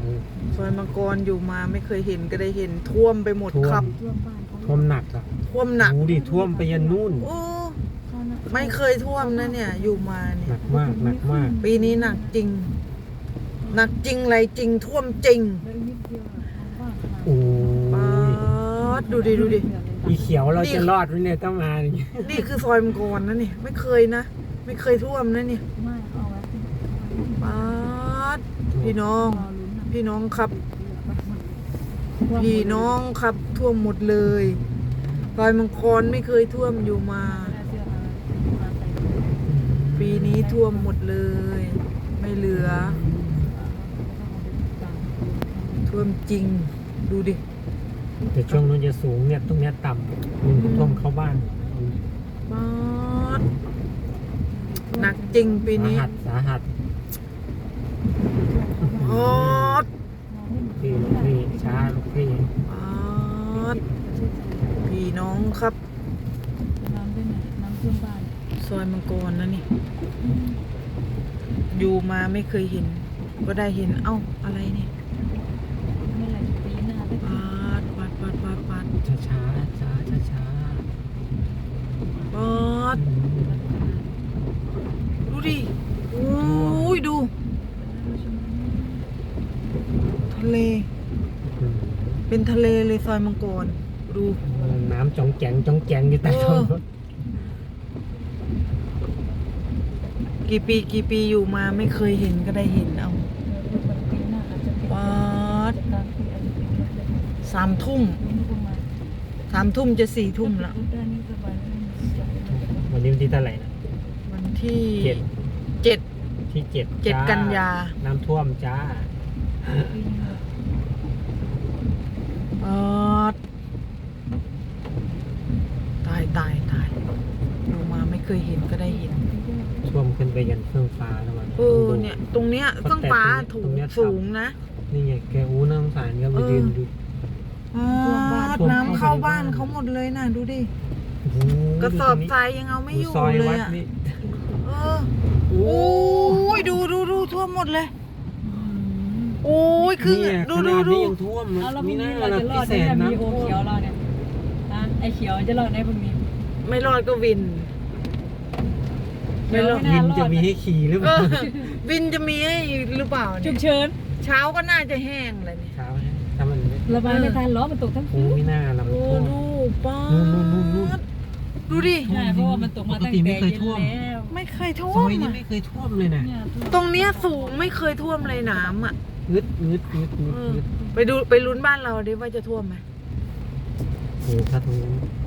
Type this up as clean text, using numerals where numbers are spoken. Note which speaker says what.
Speaker 1: ซอยมังกรอยู่มาไม่เคยเห็นก็ได้เห็นท่วมไปหมดครับ
Speaker 2: ท่วมหนักอ่ะ
Speaker 1: ท่วมหนัก
Speaker 2: ดูดิท่วมไปยันนู่น
Speaker 1: โอ้ไม่เคยท่วมนะเนี่ยอยู่มาเนี่
Speaker 2: หนั
Speaker 1: ย
Speaker 2: กมากหนักมาก
Speaker 1: ปีนี้หนักจริง หนักจริงอะไรจริงท่วมจริง
Speaker 2: โอ้
Speaker 1: ป๊าย ดดูดิดูดิ
Speaker 2: อีเขียวเราจะรอดไหมเนี่ยต้องมาอย่างนี้
Speaker 1: นี่คือซอยมังกรนะนี่ไม่เคยนะ ไม่เคยท่วมนะนี่ป๊าดพี่น้อง พี่น้องครับ พี่น้องครับท่วมหมดเลยซอยมังกรไม่เคยท่วมอยู่มา ปีนี้ท่วมหมดเลย ไม่เหลือ ท่วมจริง ดูดิ
Speaker 2: แต่ช่วงนู้นจะสูงเนี่ยตรงเนี้ยต่ำมันท่วมเข้าบ้าน
Speaker 1: ป๊าดหนักจริงปีนี้
Speaker 2: สาหัส
Speaker 1: ป๊าด
Speaker 2: พี่ลูกพี่ช้าลูกพี่
Speaker 1: ป๊าดพี่น้องครับซอยมังกรนะนี่ อยู่มาไม่เคยเห็น ก็ได้เห็นเอ้าอะไรเนี่ยปาด
Speaker 2: ช้าช้าช้าช้าช้า
Speaker 1: ปาดดูดิโอ้ยดู ทะเล เป็นทะเลเลยซอยมังกรดู
Speaker 2: น้ำจ่องแจงจ่องแจงอยู่ใต้ท้องรถ
Speaker 1: กี่ปีอยู่มาไม่เคยเห็นก็ได้เห็นเอาปาด3 ทุ่มจะ4 ทุ่มแล้ว
Speaker 2: วันนี้วันที่เท่าไหร่นะ
Speaker 1: วันที่ 7
Speaker 2: ที่7
Speaker 1: 7 กันยา
Speaker 2: น้ำท่วมจ้า
Speaker 1: ปาดตายอยู่มาไม่เคยเห็นก็ได้เห็น
Speaker 2: ท่วมขึ้นไปยันเครื่องฟ้าแล้วมัน
Speaker 1: เนี่ยตรงเนี้ยเครื่องฟ้าสูงนะ
Speaker 2: นี่ไงแกอู้น้ำสารก็ไปยืนดู
Speaker 1: น้ำเข้าบ้านเขาหมดเลยนะดูดิ
Speaker 2: โอ้โห
Speaker 1: กระสอบทรายยังเอาไม่อยู่
Speaker 2: ซอย
Speaker 1: เล
Speaker 2: วั
Speaker 1: ย
Speaker 2: ด
Speaker 1: อ่ะ
Speaker 2: นี่
Speaker 1: โอ้ยดูท่วมหมดเลยโอ้ยคือ
Speaker 2: เนี่ย
Speaker 1: ดู
Speaker 2: ขนาดนี้ยังท่วม
Speaker 3: เอาแล้วพ
Speaker 2: มี
Speaker 3: รุ่ง
Speaker 2: หน้า
Speaker 3: นี้เรา
Speaker 2: ละ
Speaker 3: จะร
Speaker 2: พิ
Speaker 3: อด
Speaker 2: เศ
Speaker 3: ได้
Speaker 2: ษ
Speaker 3: ไหม
Speaker 2: นะ
Speaker 3: มีโอเขียวเราเนี่ยไอเขียวจะรอดได้พรุ่งนี้
Speaker 1: ไม่รอดก็วิน ไม่รอด
Speaker 2: วินจะมีให้ขี่หรือเปล่า
Speaker 1: วินจะมีให้หรือเปล่า
Speaker 3: ฉุ
Speaker 1: เนี่ย
Speaker 3: กเฉิน
Speaker 1: เช้าก็น่าจะแห้งเลยเนี่ย
Speaker 2: เช้าถ้ามันไม่
Speaker 3: ระบายไม่ทันล้อมันตกทั้ง
Speaker 2: โอ้
Speaker 3: คืน
Speaker 2: มีหน้าละมัน
Speaker 1: โอ้
Speaker 2: ท่วม
Speaker 1: ดูป้า
Speaker 2: นู่น
Speaker 1: ดดูดิ
Speaker 3: ใช่เพราะว่ามันตกมาตั้งแต่เย็นแล้ว
Speaker 1: ไม่เคยท่ว
Speaker 2: ซ
Speaker 1: ม
Speaker 2: อยนี้
Speaker 1: อ่ะ
Speaker 2: ไม่เคยท่วมเลยนะ
Speaker 3: เนี่ย
Speaker 1: ตรงเนี้ยสูงไม่เคยท่วมเลยน้ำอ่ะ
Speaker 2: งึด
Speaker 1: ไปลุ้นบ้านเราดิว่าจะท่วมไหม
Speaker 2: โอ้ถ้าตรงนี้